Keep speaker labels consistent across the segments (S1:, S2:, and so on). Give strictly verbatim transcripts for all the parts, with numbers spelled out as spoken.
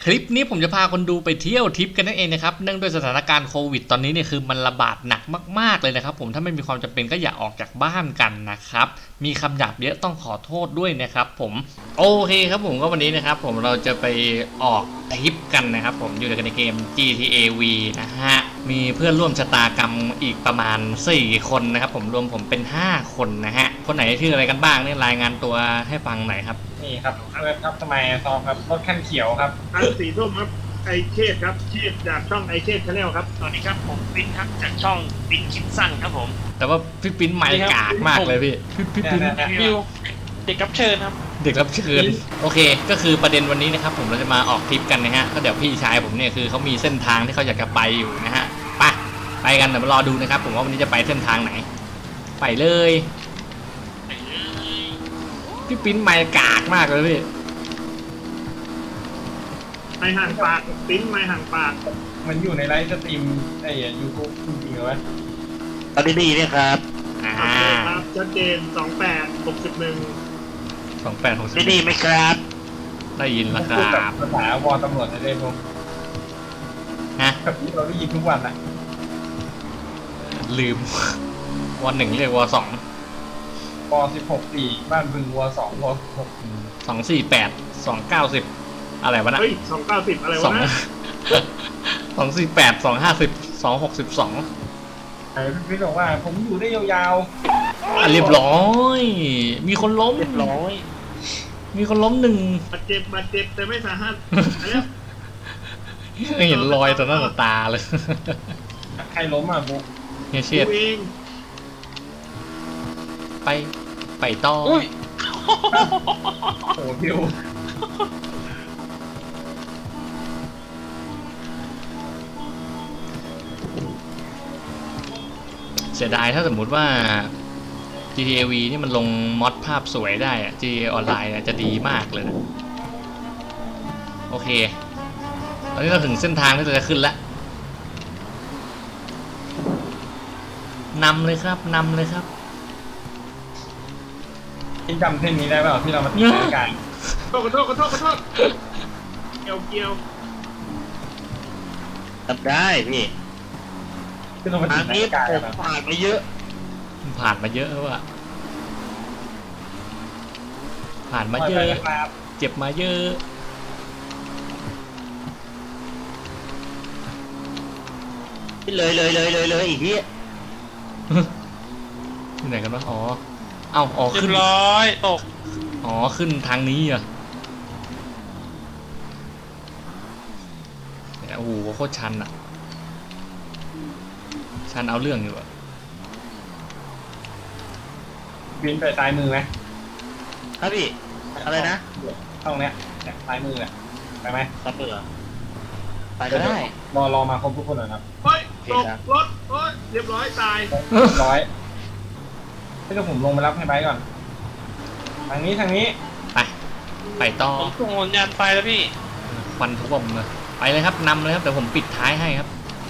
S1: คลิปนี้ผมจะพาคนดูไปเที่ยวทริปกันนั่นเองนะครับเนื่องด้วยสถานการณ์โควิดตอนนี้เนี่ยคือมันระบาดหนักมากๆเลยนะครับผมถ้าไม่มีความจำเป็นก็อย่าออกจากบ้านกันนะครับมีคำหยาบเยอะต้องขอโทษด้วยนะครับผมโอเคครับผมก็วันนี้นะครับผมเราจะไปออกทริปกันนะครับผมอยู่ในเกม จี ที เอ วี นะฮะมีเพื่อนร่วมชะตากรรมอีกประมาณสี่คนนะครับผมรวมผมเป็นห้าคนนะฮะคนไหนชื่ออะไรกันบ้างเนี่ยรายงานตัวให้ฟังหน่อยครับ
S2: นี่ครับเว็บครับทำไมซองครับรถคันเขียวครับ
S3: อันสีส้มครับไอเชษครับเชษจากช่องไอเชษชาแนลครับ
S4: สวัสดีครับผมปิ้นครับจากช่องปิ้นคิดสั้นครับผม
S1: แต่ว่าพี่ปิ้นไม่กากมากเลยพี่พี่พี่ปิ้น
S4: วิวเด็กรับเชิญครับ
S1: เด็กรับเชิญโอเคก็คือประเด็นวันนี้นะครับผมเราจะมาออกทริปกันนะฮะก็เดี๋ยวพี่ชายผมเนี่ยคือเขามีเส้นทางที่เขาอยากจะไปอยู่นะฮะไปไปกันเดี๋ยวมารอดูนะครับผมว่าวันนี้จะไปเส้นทางไหนไปเลยพี่ปิ้นไม่กากมากเลยพี่
S3: ไอห่างปากปิ้นไมห่างปาก
S2: มันอยู่ในไลฟ์สตรีมไอ้ยูทูบจริงๆเหรอวะ
S4: ตอนนี้ดีเนี่ยครับ
S1: อ่า
S3: ครับชัดเจนสองแปดหกสิบหนึ่ง
S1: สองแปดหกสิบ
S4: ดีไหมครับ
S1: ได้ยินแล้วครับ
S2: ภาษาวอตำรวจได้เลยผม
S1: ฮะ
S2: กับที่เราได้ยินทุกวันอะ
S1: ลืมวันหนึ่งเรียกวอสอง
S2: วอสิบหกสี่บ้านบึงวอสองวอหก
S1: สองสี่แปดสองเก้าสิบอะไรวะนะ
S3: เฮ้ยสองเก้าสิบอะไรวะนะ
S1: สองสี่แปดสองห้าสิบสองหกสิบสอง
S2: ไอ้พี่บอกว่าผมอยู่ได้ยาว
S1: ๆเรียบร้อยมีคนล้ม
S4: เรียบร้อย
S1: มีคนล้มหนึ่ง
S3: บาดเจ็บบาดเจ็บแต่ไม่สาหัส
S1: ไม่เห็นรอยต่อหน้าต่อตาเลย
S2: ใครล้มอ่ะบุ๊ก
S1: เฮียเชียดไปไปต่อโ
S2: อ้พิว
S1: เสียดายถ้าสมมุติว่า จี ที เอ วี นี่มันลงมอดภาพสวยได้อะ จี ที เอ ออนไลน์จะดีมากเลยนะโอเคตอนนี้เราถึงเส้นทางที่เราจะขึ้นแล้วนำเลยครับนำเลยครับ
S2: ที่จำเส้นนี้ได้เปล่าที่เรามาตีกัน
S3: ขอโทษขอโทษขอโทษเกี่ยวเกี่ยว
S4: ทำได้พี่ทางนี้ผมผ่านมาเยอะ
S1: ผ่านมาเยอะว่ะผ่านมาเยอะเจ็บมาเยอะ
S4: เลยเลยเลยเลยเลยอีกที
S1: ที่ไหนกันวะอ๋อเอ้าอ๋อขึ้น
S4: ร้อยตก
S1: อ๋อขึ้นทางนี้อ่ะโอ้โหโคตรชันอ่ะชันเอาเรื่องอยู่อ่ะ
S2: บินไปซ้ายมือไหม
S4: ครับพี่อะไรนะ
S2: ตรงเนี้ยซ้ายมือเนี่ยไปไหม
S4: ซ้ายมือไปก็ได้
S2: รอรอมาครบทุกคนเลยครับ
S3: เฮ้ยตกรถเฮ้ยเรียบร้อยตาย
S2: ร้อยให้ผมลงไปรับให้ไบก่อนทางนี้ทางนี้
S1: ไปไปต่อ
S4: ผมส่งสัญญาณไฟแล้วพี่
S1: ควันท่วมเลยไปเลยครับนำเลยครับเดี๋ยวผมปิดท้ายให้ครับ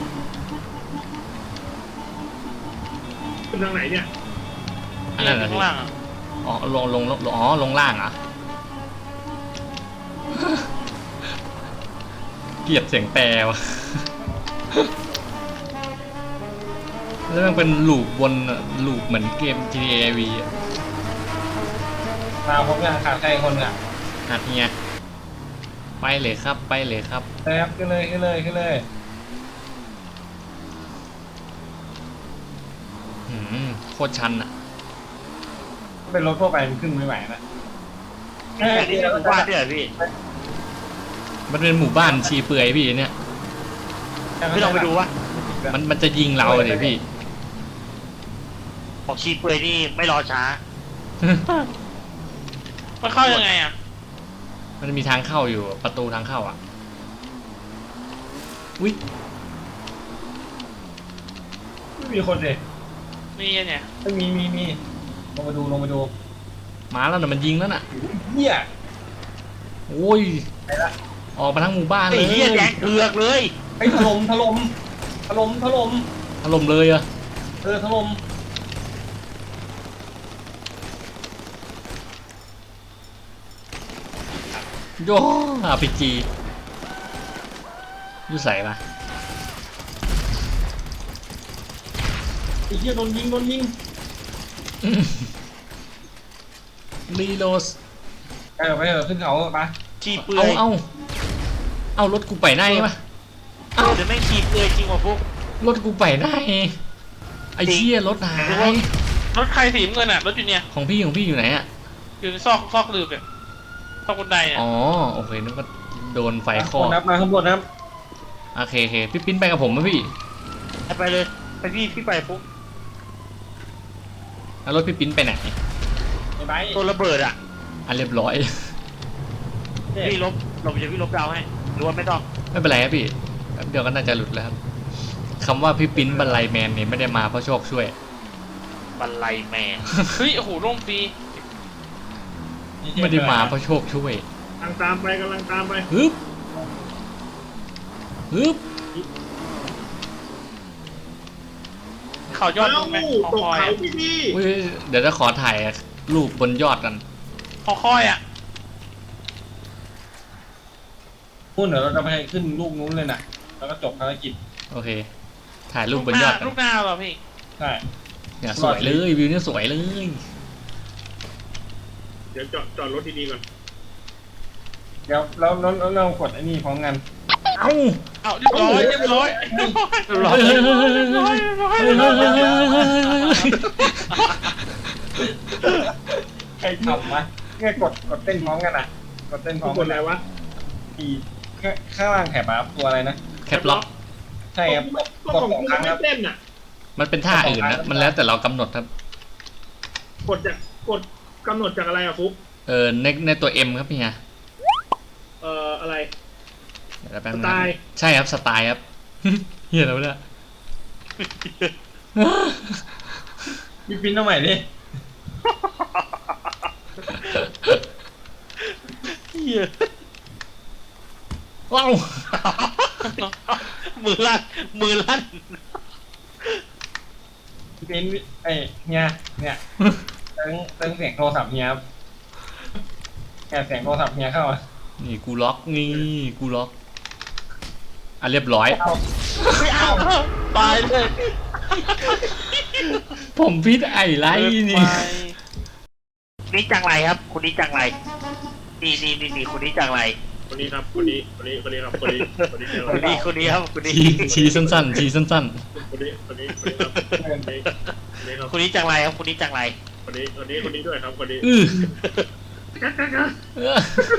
S3: ขึ้นทางไหนเนี่ย
S1: อันนั้นข้างล่างอ๋อลงลงลงอ๋อลงล่างอ่ะเกลียดเสียงแปรวะแล้วมันเป็นลูปวนลูปเหมือนเกม จี ที เอ วี
S2: มาพบกันขาดใครคนอ่ะ
S1: หัดเฮียไปเลยครับไปเลยครับ
S2: แซ่บขึ้นเลยขึ้นเลยขึ้นเลย
S1: หืมโคตรชันอ่ะ
S2: เป็นรถทั่วไปมันขึ้นไม่ไหวนะ
S4: แค่นี้หมู่บ้านเนี่ยพี่
S1: มันเป็นหมู่บ้านชีเปื่อยพี่เนี่ย
S4: พี่ลองไปดูวะ
S1: มันมันจะยิงเราเลยพี่
S4: บอกชีเปื่อยนี่ไม่รอช้ามันเข้ายังไงอ่ะ
S1: มันจะมีทางเข้าอยู่ประตูทางเข้าอ่ะวิ
S2: ไม่มีคนเลย
S4: มีเนี่ย
S2: ไม่มีมีมีลงมาดูลงมาดู
S1: มาแล้วน่ะมันยิงแล้วน่ะ
S2: เฮีย
S1: โอ้ยออกมาทั้งหมู่บ้านเลย
S4: เฮียแดงเถือกเลย
S2: ไอ้ถล่มถล่มถล่มถล่ม
S1: ถล่มเลยอะ
S2: เออถล่ม
S1: โย่อาร์พีจียูใส่ปะ
S2: ไอ้เหี้ยโดนยิงโดนยิง
S1: รีโลส
S2: เออไปเถอะขึ้นเขาไป
S4: ขี่เปลื
S1: เอา
S4: อย
S1: เอาเอารถกูไปไหนปะ
S4: เอ้าเดี๋ยวแม่งขี่เปลือยจริงว่ะพวก
S1: รถกูไปไหนไอ้เชี่ยรถหาย
S5: รถใครสีน้ำเงินอ่ะรถอยู่เนี่ย
S1: ของพี่ของพี่อยู่ไหนอะ
S5: อยู่ในซอกซอกหลืบเนี่ยซอกบันไดเนี่ย
S1: อ๋อโอเคนึกว่าโดนไฟค
S2: ข้า
S1: อง
S2: บนนะครับมาข้างบนนะครับ
S1: โอเคโอเคพี่ปิ้นไปกับผมไหมพี่
S4: ไปเลยไปพี่พี่ไปปุ๊บ
S1: แล้วรถพี่ปิ้นไปไหน
S2: ไอ้ไบร์ท
S4: ตัวระเบิดอ่ะ
S1: อ่ะเรียบร้อย
S2: เนี่ย
S4: พี่ลบลบจะพี่ลบดาวให้หรือว่าไม่ต้อง
S1: ไม่เป็นไรครับพี่แป๊บเดียวก็น่าจะหลุดแล้วครับคำว่าพี่ปิ้นบรรลัยแมนเนี่ยไม่ได้มาเพราะโชคช่วย
S4: บันไลแมน
S5: เฮ้ยโอ้โหร่มฟรี
S1: ไม่ได้มาเพราะโชคช่วย
S3: กำลังตามไปกำลังตามไป
S1: ฮึบฮึบ
S5: เขายอด
S3: เอ้า
S5: ลงไหม
S3: ต
S5: คอก คอย
S3: เขา
S5: อะ
S3: พี่พี่
S1: อุ้ยเดี๋ยวจะขอถ่ายรูปบนยอดกัน
S5: คอคอยอ่ะ
S2: พูดเดี๋ยวเราจะไปขึ้นลูกนู้นเลยนะแล้วก็จบภารกิจ
S1: โอเค ถ่ายรูปบน
S5: ห
S1: ย
S5: น้า
S1: อดกัน
S5: ลูกหน้าเหรอพี่
S2: ใช่
S1: เนี่ยสวยเลยวิวเนี่ยสวยเลย
S3: เดี๋ยวจอดจอดรถดีๆก่อน
S2: เดี๋ยวแล้วแล้วแล้วเรากดไอ้นี่พร้อมกัน
S1: เอ้า
S5: เอาเรียบร้อยเรียบร้อยเรียบร้อย
S1: เฮ้ย
S5: เรี
S1: เฮ้ย
S5: ยบ
S1: เฮ้
S5: ร้
S1: ย
S5: อย
S1: เฮ้ย
S5: เรียบร้อย
S1: เฮ้ยเฮ้ยเฮ้ยเฮ้ยเฮ้ย
S2: ใครทำวะเนี่ยกดกดเต้นพร้อมกันอ่ะ กดเต้นพร้อม
S3: ก
S2: กั
S3: ด
S2: น
S3: อะไรวะ
S2: อีข้างข้างล่างแถบอะครับตัวอะไรนะ
S1: แคปล็อก
S2: ใช่ครับ
S3: ก็
S2: กด
S3: ของ
S2: สอง
S3: กู
S2: ครั้ง
S3: ไม่
S2: ครับ
S3: เต้นอ่ะ
S1: มันเป็นท่าอื่นนะมันแล้วแต่เรากำหนดครับ
S3: กดจากกดกำหนดจากอะไรอะฟุ๊ก
S1: เออในในตัว M ครับพี่ฮะ
S3: เอ่ออะไร
S1: เดี๋ยวแป๊บ
S3: ส
S1: นึง
S3: ไต
S1: นะ
S3: ล์
S1: ใช่ครับสไตล์ครับ เฮียแล้วเนี่ย
S2: พี่ปิ้นเอาใหม่ดิ
S4: เหี้ย
S1: ว้าว
S4: มือลั่นมือลั่น
S2: พี่ปิ้นไอ้เนี่ยเนี่ยเติงเติงเสียงโทรศัพท์เฮียครับแกเสียงโทรศัพท์เฮียเข้ามา
S1: นี่กูล็อกนี่กูล็อกอ่ะเรียบร้อย
S2: เอา
S4: ไม่เอาตายเลย
S1: ผมพิษไอ้ไรนี่
S4: นี่จังไรครับคุณนี่จังไรนี่นี่นี่นี่คุณนี่จังไร
S3: คนนี้ครับคนนี้คนนี้คนนี้ครับคนนี้คนนี้
S4: คุณนี่คุณนี่ครับคุณนี่
S1: ชี้ชี้สั้นๆชี้สั้น
S3: คนนี้คนนี้คนนี้ครับคนนี้คนนี้ครับ
S4: คุณนี่จังไรครับคุณนี่จังไร
S3: คนนี้คนนี้คนนี้ด้วยครับคนนี้
S1: ๆอือเออ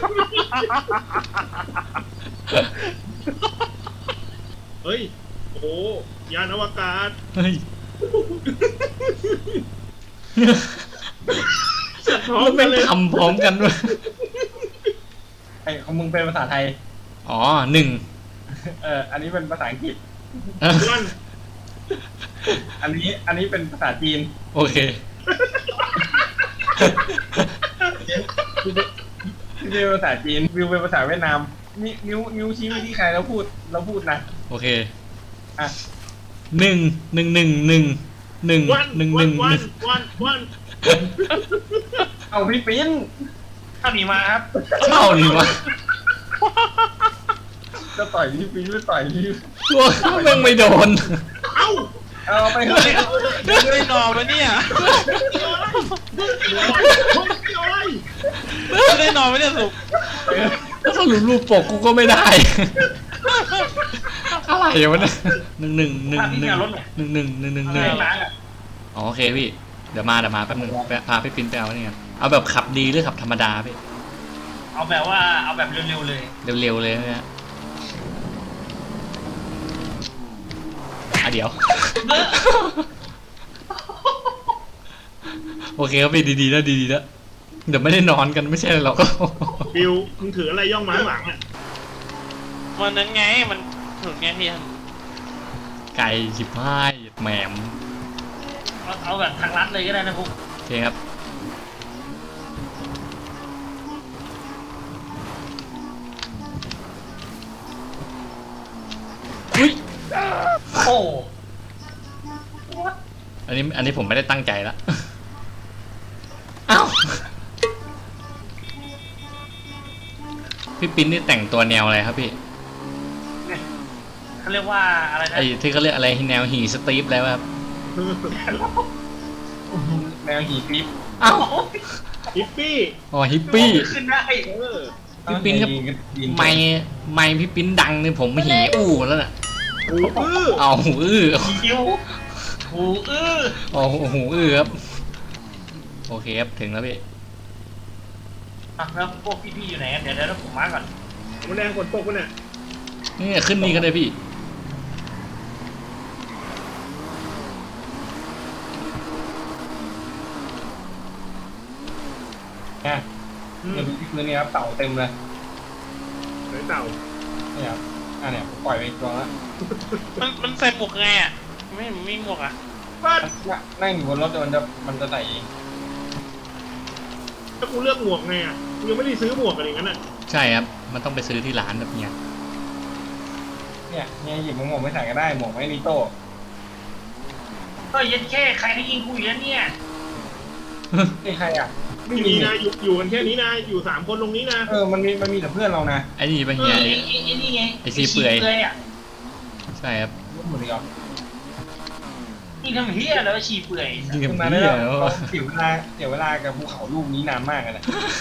S3: เฮ้ยโอ้โหยานอวกาศ
S1: เฮ้ย
S3: จัดพร้อม
S1: แล้ว
S3: กั
S1: แม่
S3: น
S1: ง
S3: เลย
S1: ทำพร้อมกันด้วย
S2: ไอ้ของมึงเป็นภาษาไทย
S1: อ๋อหนึ่ง
S2: เอออันนี้เป็นภาษาอังกฤษ
S3: วัน
S2: อันนี้อันนี้เป็นภาษาจีน
S1: โอเค
S2: ที่เป็นภาษาจีนวิวเป็นภาษาเวียดนามนิ้วนิ้วนิ้วชี้ไปที่ใครแล้วพูดแล้วพูดนะ
S1: โอเค
S2: อ่ะ
S1: หนึ่งหนึ่งหนึ่งหนึ่งหนึ่ง
S3: วัน
S1: หนึ่งห
S3: วั
S1: นึ่
S3: น
S1: ง
S3: วันวันวัน
S2: เอาพี่ปิ้นข้าหนีมาครับ
S1: เข้านี่วะ
S2: จะต่อยพี่ปิ้นหรือต่อยพี่
S1: ตัวแม่งไม่โดน
S3: เอ้า
S2: เอาไปเถอะ
S5: ดึงได้นอนมาเนี่ย
S3: มึงเกี่ยวอะไรมึงเกี่ยวอะไร
S5: ดึงได้นอนมาเนี่ยสุก
S1: ถ้าสรุปรูปปกกูก็ไม่ได้ อะไรวะเนี่ยหนึ่งหนึ่งหนึ่งหนึ่งหนึ่งหนึ่งหนึ่งหนึ่งหนึ่งห
S2: เรื่
S1: นึ่
S2: อง งร้านอ่ะ
S1: อ๋อโอเคพี่ เดี๋ยวมาเดี๋ยวมาแป๊บนึงไปพาพี่ปิ้นไปเอานี่กันเอาแบบขับดีหรือขับธรรมดาพี่
S2: เอาแบบว่าเอาแบบเร็วๆเลย
S1: เร็วๆเลยนะฮะอ่ะเดี๋ยว โอเคครับพี่ดีๆแล้วดีๆแล้วเดี๋ยวไม่ได้นอนกันไม่ใช่หรอก
S3: บิวมึงถืออะไรย่องมาข้างหลังอ่ะ
S5: วันนั้นไงมันถึงไงพี่
S1: ไก่ชิบหายแหมม
S2: เอาเอาแบบทางลัดเลยก็ได้นะพวก
S1: โอเคครับอุ้ย
S2: โอ้
S1: อันนี้อันนี้ผมไม่ได้ตั้งใจละอ้าวพี่ปิ้นนี่แต่งตัวแนวอะไรครับพี่
S4: เขาเรียกว่าอะไรนะ
S1: ไอ้ที่เขาเรียกอะไรแนวหีสตีฟแล้วครับ
S2: แนวหีคลิป
S1: เอ้า
S3: ฮิปปี้
S1: อ๋อฮิปปี้
S4: ขึ้นได้
S3: เออ
S1: พี่ปิ้นครับ ไม่ไม่พี่ปิ้นดังเนี่ยผมหีอู้แล้วน่ะ
S3: หูอื้อ
S1: เอาหูอื้อ
S4: คิวหูอื้อ
S1: อ๋อหูอื้อครับโอเคครับถึงแล้วพี่
S4: อ่ะแล้วพวกพี่ๆอยู่ไหนกันเดี๋ยวเดี๋ยวผมมาก่อน
S3: มันแดงฝนตกปะเนี่ย
S1: นี่ขึ้นนี่ก็ได้พี่
S2: เนี่ยเดี๋ยวดูที่พื้นนี่ครับเต่าเต็มเลย
S3: ไหนเต่า
S2: เนี่ยครับอ่ะเนี่ยผมปล่อยไปอีกตัวแล้ว
S5: มันมันใส่หมวกไงอ่ะไม่ไม่มีหมวกอ่ะ
S3: บ้าน
S2: เนี่ยนั่งอยู่บนรถเดี๋ยวมันจะมันจะใส่เอง
S3: ถ้ากูเลือกหมวกไงอ่ะกูยังไม่ได้ซื้อหมวกกันอย่างนั้นอ่ะ
S1: ใช่ครับมันต้องไปซื้อที่ร้านแบบเนี้ย
S2: เนี่ยเนี่ยหยิบหมวกไม่ใส่ก็ได้หมวกไม่นิโต้
S4: ก็ยันแค่ใครที่ยิงกูอยู่แล้วเนี่ย
S2: นี่ใครอ่ะไม่
S3: ไม่
S2: มี
S3: มีนะอยู่อยู่กันแค่นี้นะอยู่สามคนตรงนี้นะ
S2: เออมันมีมันมีแต่เพื่อนเรานะ
S1: ไอ้นี่ปะ
S4: เอ
S1: เฮีย
S4: อไอ้ไอ้ไอ้นี่ไง
S1: ไอ้ซีเปื่อย
S4: อ่ะ
S1: ใช่ครับ
S2: รู้หมดเลยเหรอ
S4: นี่ทำเฮียแล้วฉี่เปื่อย
S1: ยิงกับ
S2: ขึ้นมา
S1: เฮี
S2: ได้
S1: ย
S2: แล้วเราเสียเวลาเสียเวลากับภูเขาลูกนี้นานมากเลยนะ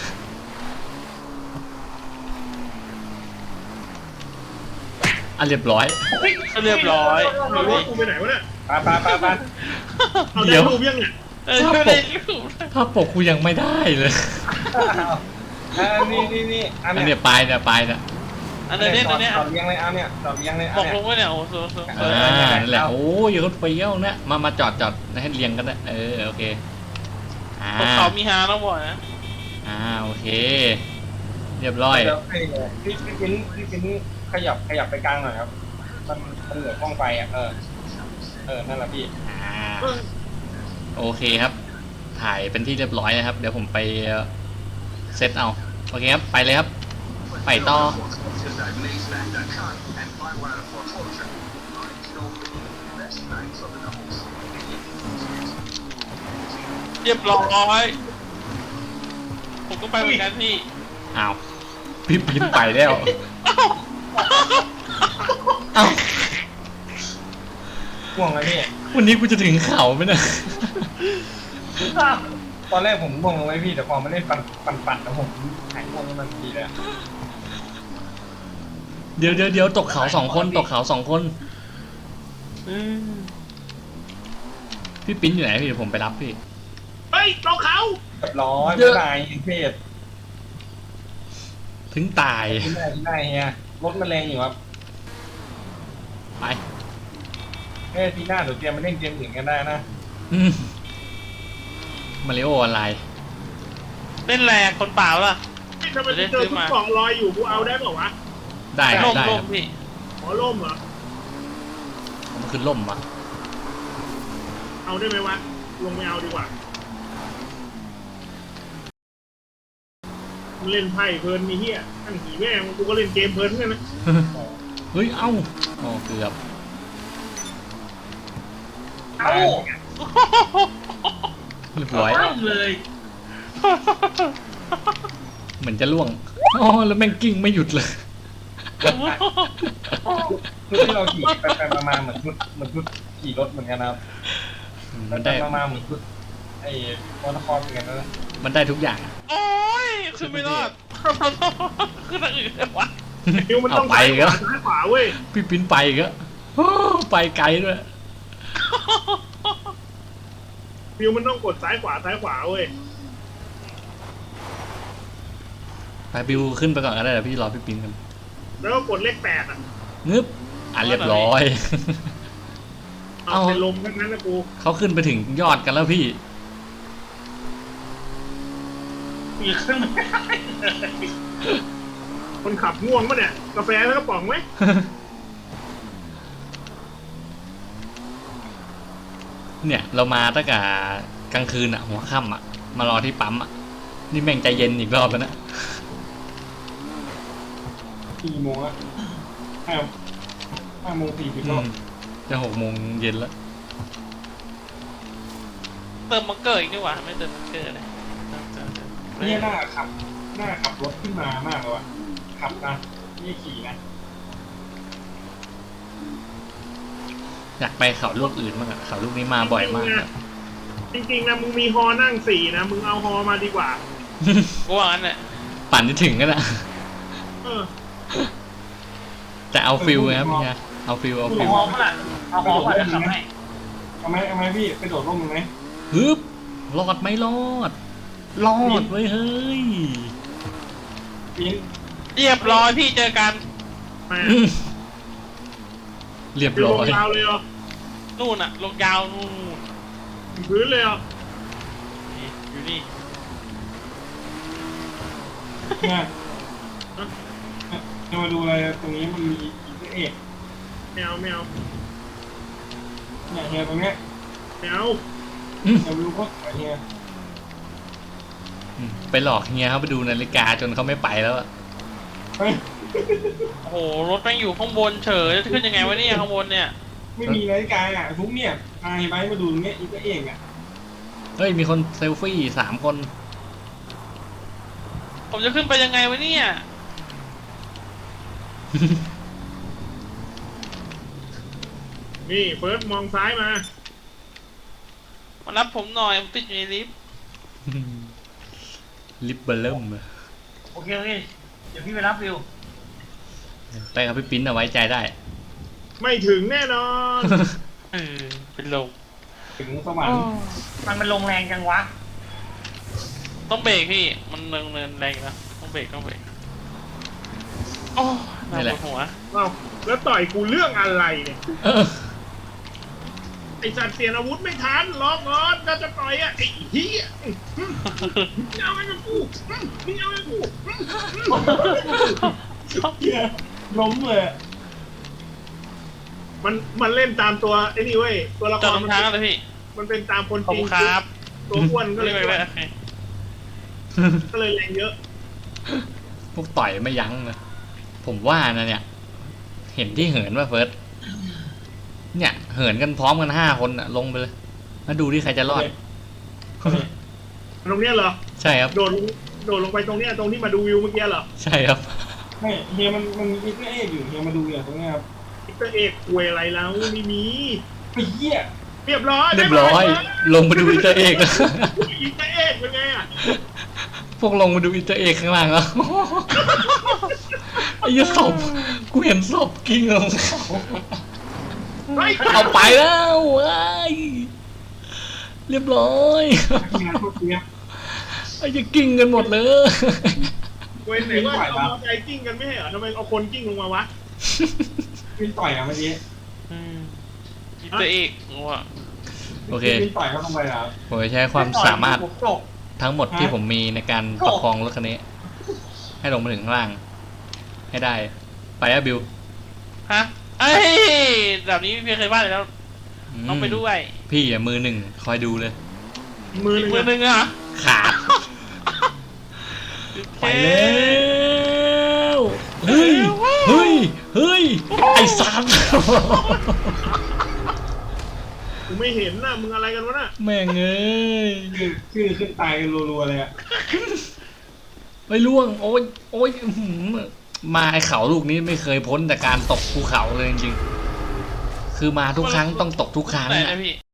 S1: อ่ะเรียบร้อย
S5: เรียบร้อย
S3: เอารถกูไปไหนวะเนี่ย
S2: ไปไปไปไป
S3: เอา
S1: เดี๋
S3: ได้
S1: ยว
S3: รูปยังเนี่ย
S5: เออไม่ได้รูป
S1: ภาพปกกูยังไม่ได้เลย
S2: อ่านี่นี่นี่อัน
S1: อัน
S2: เนี้
S1: เนี้ยปลายเนี่ยปลายเนี่ย
S5: อันนี้เนี่ยอันนี้
S2: ตอบเลี้ยงเลยเอาเนี่ยตอบเลี้ยงเลย
S5: บ
S2: เอา
S5: อก
S2: เนี่ย
S5: ลงว่าเนี่ยโอ้โหโซ
S1: อ่านั่นแหละโอ้ยรถเฟี้ยวเนี่ยมามาจอดจอดให้เรียงกันนะเออโอเคอ่า
S5: พวกเขามีฮาต้องบอกนะ
S1: อ่าโอเค เรียบร้อย
S2: เดี๋ยวให้เลยพี่พี่ปิ้นพี่ปิ้นขยับขยับไปกลางหน่อยครับมันมันเหลือกล้องไฟอ่ะเออเออนั่นแหละพี่
S1: อ่าโอเคครับ ถ่ายเป็นที่เรียบร้อยนะครับ เดี๋ยวผมไปเซตเอาโอเคครับไปเลยครับ ไปต่อ
S5: เรียบร้อยผมก็ไปเหมือนกันพี่
S1: อ้าวพี่ปีนไปแล้วอ้าว
S2: ห่วงเลยพี่
S1: วันนี้กูจะถึงเขาไหมเนี่ย
S2: ตอนแรกผมง่วงลงไว้พี่แต่พอมาเล่นปั่นปั่นปั่นแล้วผมหายง่วงทันทีเลย
S1: เดี๋ยวเดี๋ยวเดี๋ยวตกเขาสองคนตกเขาสองคน
S5: อืม
S1: พี่ปิ้นอยู่ไหนพี่เดี๋ยวผมไปรับพี่
S3: เฮ้ยตกเขา
S2: เรียบร้อย
S1: เย
S2: ไม่
S1: อะ
S2: ตายเพศ
S1: ถึงตาย
S2: ที่ได้ที่ได้เฮียรถมันแรงอยู่ครับ
S1: ไป
S2: เอ้ยทีหน้าเดี๋ยวเตรียมมาเล่นเกมอื่นกันได้นะ
S1: อืมมาริโอออนไลน์
S5: เล่นแรงคนเปล่าล่ะ
S3: ทำไมกูเจอทุกกล่องลอยอยู่กูเอาได้เปล่าวะ
S1: ได้ครั
S5: ล่
S1: บ
S5: ม
S1: ได้ค
S5: ล่
S1: รั
S5: ม
S1: บ
S5: พี่
S3: ขอล่มเหรอ
S1: มันคือล่มอ่ะ
S3: เอาได้ไหมวะลงไม่เอาดีกว่ามันเล่นไพ่เพลินมีเฮียตั้งกี่แม่งกูก็เล่นเกมเพลินกันนะ
S1: เฮ้ยเอ้าอ๋อเกือบ
S4: เอ้า
S1: เรียบร้อย
S4: ปั้งเลย
S1: เหมือนจะล่วงอ๋อแล้วแม่งกิ้งไม่หยุดเลย
S2: คือที่เราขี่ไปไปมาๆเหมือนชุดเหมือนชุดขี่รถเหมือนกันนะครับ
S1: มั
S2: มัน น
S1: ได้
S2: ได้มาๆเหมือนชุดไอ้วอลคอร์เหมือนกันนะ
S1: มันได้ทุกอย่างอะ
S5: โอ้ยขึ้นไม่รอดขึ้นทางอื่นเลยวะ
S3: ฟิวมันต้อง
S1: เอาไป
S3: ซ้ายข
S1: ก็
S3: วาซ้ายขวาเว้ย
S1: พี่ปิ้นไปอีก็ไปไกลด้วย
S3: ฟิวมันต้องกดซ้ายขวาซ้ายขวาเว้ย
S1: ไปบิวขึ้นไปก่อนก็ได้เดี๋ยวพี่รอพี่ปิ้นกัน
S3: แล้วก็กดเลขแปดอ่ะ
S1: งึบอ่ะเรียบร้อย
S3: เอา
S1: เอา
S3: เป็นลมทั้งนั้นนะกู
S1: เขาขึ้นไปถึงยอดกันแล้วพี่
S4: มีขึ้นไม่ได้เลย
S3: คนขับง่วงปะเนี่ยกาแฟแล้วก็ป๋องไหม
S1: เนี่ยเรามาตั้งแต่กลางคืนอ่ะหัวค่ำอ่ะมารอที่ปั๊มอ่ะนี่แม่งใจเย็นอีกรอบแล้วนะ
S2: สี่โมงอะห้าห้าโมงสี่สิบ
S1: อื
S2: รอ
S1: ม
S2: บ
S1: จะหกโมงเย็นแล้ว
S5: เติมมังเกอร์อีกดีกว่าไม่เติมมังเกอร์เลย
S2: นี่หน้าขับหน้าขับรถขึ้นมามากเลยว่ะขับนะนี่ขี่นะ
S1: อยากไปเขาลูกอื่นบ้างอะเขาลูกนี้มาบ่อยมากอะ
S3: จริงๆนะมึงมีฮอนั่งสี่นะมึงเอาฮอมาดีกว่า
S5: กูว่างั้นแหละ
S1: ปั่นจะถึงกันอะ
S3: เออ
S1: แต่เอาฟิลไงครับเนี่ยเอาฟิลเอาฟิ
S2: เอา
S1: ล
S2: ฮอมละเอาฮอมมาจะทำให้
S3: เอาไหมเอาไหมพี่ไปโดดร่มมึงไหม
S1: ฮึบรอดไหมรอด รอดเว้ยเฮ้ย
S3: ปีน
S5: เรียบร้อยพี่เจอกัน
S3: มา
S1: อืมเรียบ
S3: อยู่
S1: ร้
S3: ล
S1: อง ย
S3: ยาวเลยเหรอ
S5: นู่นอะลงยาวนู่น
S3: พื้นเลยเหรอ
S5: นี่อยู่นี่
S3: เนี่ยจะมาดูอะไรตรงนี้มันมีอีกเอกแมวแมวเนี่ยเฮียตรงเนี้ยแมว
S1: อืม
S3: เดี๋ยวดูก็เฮีย
S1: อืมไปหลอกเฮียเขาไปดูนาฬิกาจนเขาไม่ไปแล้วอะ
S3: เฮ้ย
S5: โอ้โหรถแม่งอยู่ข้างบนเฉยจะขึ้นยังไงวะเนี่ยข้างบนเนี่ย
S3: ไม่มีนาฬิกาอ่ะทุกเนี่ยนายไปมาดูตรงเนี้ยอีกเอกอ่ะ
S1: เฮ้ยมีคนเซลฟี่สามคน
S5: ผมจะขึ้นไปยังไงวะเนี่ย
S3: นี่เฟิร์สมองซ้ายมา
S5: มารับผมหน่อยผมติดอยู่ในลิฟต์
S1: ลิปเบอร์เริ่มอะ
S2: โอเคโอเคเดี๋ยวพี่ไปรับวิว
S1: ไปกับพี่ปิ้นเอาไว้ใจได้
S3: ไม่ถึงแน่นอน
S5: เออเป็นลม
S3: ถึงสวรรค์
S2: มันมันลงแรงจังวะ
S5: ต้องเบรกพี่มันเนินเนินแรงอยู่นะต้องเบรกต้องเบรกโอ้น่าปวดหัว
S3: เอ้าแล้วต่อยกูเรื่องอะไรเนี่ย
S1: เออ
S3: ไอสัตว์เปลี่ยนอาวุธไม่ทันล็อกก่อนก็จะต่อยอ่ะไอ้เหี้ยมึงเอาไอ้กับกูมึงเอาไอ้กับกูเหี้ยล้มเลยอะมันมันเล่นตามตัวไอ้นี่เว้ยตัวละค
S5: จอด
S3: ร
S5: ตรง
S3: มัน
S5: ทางเลยพี่
S3: มันเป็นตามคน
S5: ขอบ
S3: จริ
S5: คุ
S3: ง
S5: ณครับ
S3: ตัวอ้วนก็เล
S5: เรี
S3: ย
S5: ยกไปเลยโอเค
S3: ก็เลยแรงเยอะ
S1: พวกต่อยไม่ยั้งเลยผมว่านะเนี่ย เห็นที่เหินว่าเฟิร์สเนี่ย เหินกันพร้อมกันห้าคนอะลงไปเลยมาดูที่ใครจะรอด
S3: ตรงเนี้ยเหรอ
S1: ใช่ครับ
S3: โดดลงโดดลงไปตรงเนี้ยตรงที่มาดูวิวเมื่อกี้เหรอ
S1: ใช่ครับ
S6: ไม่เฮียมันมันมีเอกอยู่เฮียมาดูอย่างตรงเนี้ยครับ
S3: อิตาเอกควยอะไรแล้วไม่มี
S6: ไอ้เหี้ย
S3: เรียบร้อย
S1: เรียบร้อย ลงมาดูอินเตอร์เอกแล้ว
S3: อิตาเอกเป็นไงอ่ะ
S1: พวกลงมาดูอินเตอร์เอกข้างล่างแล้วไอ้ยี่ศพกูเห็นศพกิ้งลง
S3: เฮ้ย
S1: เอาไปแล้วไอ้ยเรียบร้อย
S6: งานพวกเนี้ย
S1: ไอ้จะกิ้งกันหมดเลย
S3: เว้นไหนว่าเอามอไซค์กิ้งกันไม่ใช่เหรอทำไมเอาคนกิ้งลงมาวะ
S6: วินต่อยอ่ะเมื่อกี้
S5: อืมยิบตัวเอกว่ะ
S1: โอเค
S6: วินต่อยเขาทำไมอ่ะ
S1: ผมจะใช้ความสามารถ
S2: ผมตก
S1: ทั้งหมดที่ผมมีในการประคองรถคันนี้ ให้ลงมาถึงข้างล่าง ให้ได้ ไปอะบิว
S5: ฮะเอ้ยแบบนี้พี่เคยว่าเลยแล้ว
S1: ม
S5: ต้องไปด้วย
S1: พี่อ่ะมือหนึ่งคอยดูเลย
S3: มือห
S5: อี
S3: นึ่
S5: ก
S3: ง
S5: มือหนึ่งอ่ะ
S1: ขาด ไปแล้วเฮ้ย เฮ้ย เฮ้ย ไอ้สัตว์
S3: กูไม่เห็นนะมึงอะไรกันวะน่ะ
S1: แม่งเอ้ย
S6: คือคือขึ้นตายกันรัวๆเลยอ่ะ
S1: ไปล่วง โอ้ย โอ้ยอื้อหือมาไอ้เขาลูกนี้ไม่เคยพ้นจากการตกภูเขาเลยจริงๆ คือมาทุกครั้งต้องตกทุกครั้ง
S5: ไหน
S1: อะ
S5: นะพี่